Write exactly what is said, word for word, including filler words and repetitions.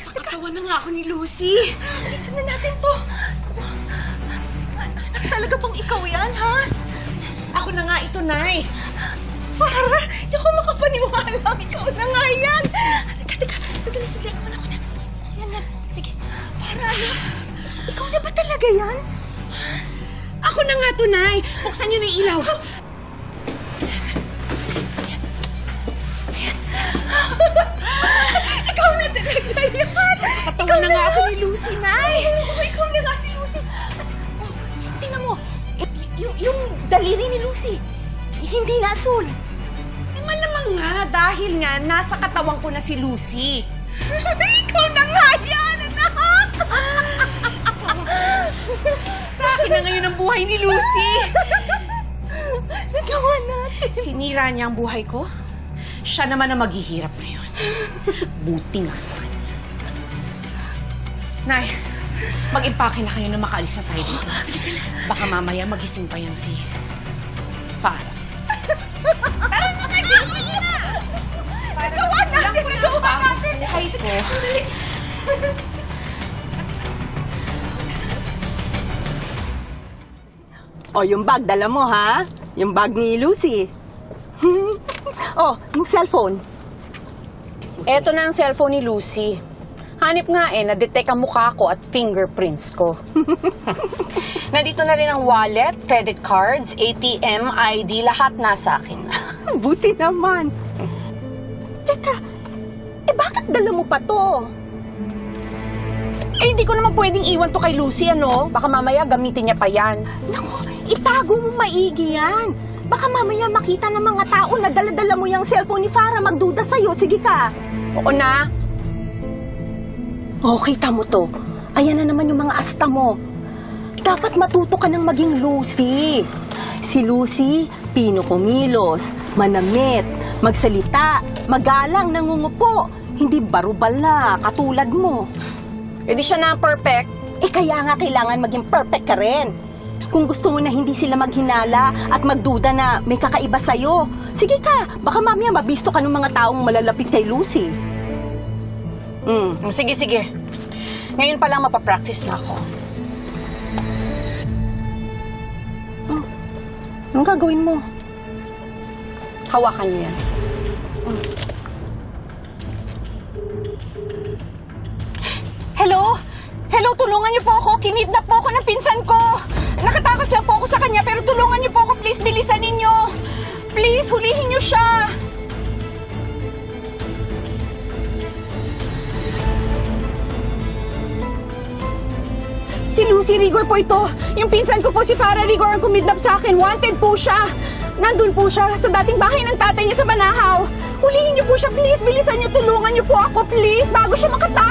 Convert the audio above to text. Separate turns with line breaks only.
Sa katawan na nga ako ni Lucy.
Alisan na natin to. Anak, talaga bang ikaw yan, ha?
Ako na nga ito, Nay.
Farah, hindi ako makapaniwala. Ikaw na nga yan. Teka, teka. Sadali, sadali. Ako na, ako na. Yan, yan. Sige. Farah, anak. Ikaw na ba talaga yan?
Ako na nga to, Nay. Buksan niyo na yung ilaw.
Ikaw na talaga yan.
Katawan na nga ako ni Lucy, Nay.
Oh, ikaw na nga si Lucy. At, oh, tingnan mo. Y- yung, yung daliri ni Lucy, hindi na asul.
Eh, malamang nga, dahil nga, nasa katawan ko na si Lucy.
Ikaw na nga yan, anak.
Sa, sa akin na ngayon ang buhay ni Lucy.
Nagawa natin.
Sinira niya ang buhay ko. Siya naman ang maghihirap ngayon. Buti nga sa kanya. Nay, mag-impake na kayo na makaalis na tayo dito. Baka mamaya magising pa yan si Farah.
Tara na kayo! Nagawa natin! Nagawa natin!
Buhay ko.
O, yung bag, dala mo, ha? Yung bag ni Lucy. Oh, yung cellphone.
Eto na ang cellphone ni Lucy. Hanip nga eh, na-detect ang mukha ko at fingerprints ko. Nandito na rin ang wallet, credit cards, A T M, I D, lahat nasa akin.
Buti naman. Teka, eh bakit dala mo pa to?
Eh, hindi ko naman pwedeng iwan to kay Lucy, ano? Baka mamaya gamitin niya pa yan.
Naku, itago mo maigi yan. Baka mamaya makita ng mga tao na dala-dala mo yung cellphone ni Farah, magduda sa'yo. Sige ka.
Oo na.
Oh, kita mo to. Ayan na naman yung mga asta mo. Dapat matuto ka ng maging Lucy. Si Lucy, pino kumilos, manamit, magsalita, magalang, nangungupo. Hindi barubal na, katulad mo.
Eh di siya na ang perfect.
Eh kaya nga kailangan maging perfect ka rin. Kung gusto mo na hindi sila maghinala at magduda na may kakaiba sa'yo, sige ka, baka mamaya mabisto ka ng mga taong malalapit kay Lucy. Mm.
Sige, sige. Ngayon pa lang mapapractice na ako.
Oh. Anong gagawin mo?
Hawakan niyo yan. Hello? Hello, tulungan niyo po ako. Kinidnap po ako ng pinsan ko. Nakatakas lang po ako sa kanya, pero tulungan niyo po ako. Please, bilisan ninyo. Please, hulihin niyo siya. Si Lucy Rigor po ito. Yung pinsan ko po si Farah Rigor ang kumidnap sa akin. Wanted po siya. Nandun po siya sa dating bahay ng tatay niya sa Banahaw. Hulihin niyo po siya, please. Bilisan niyo, tulungan niyo po ako, please. Bago siya makatakas.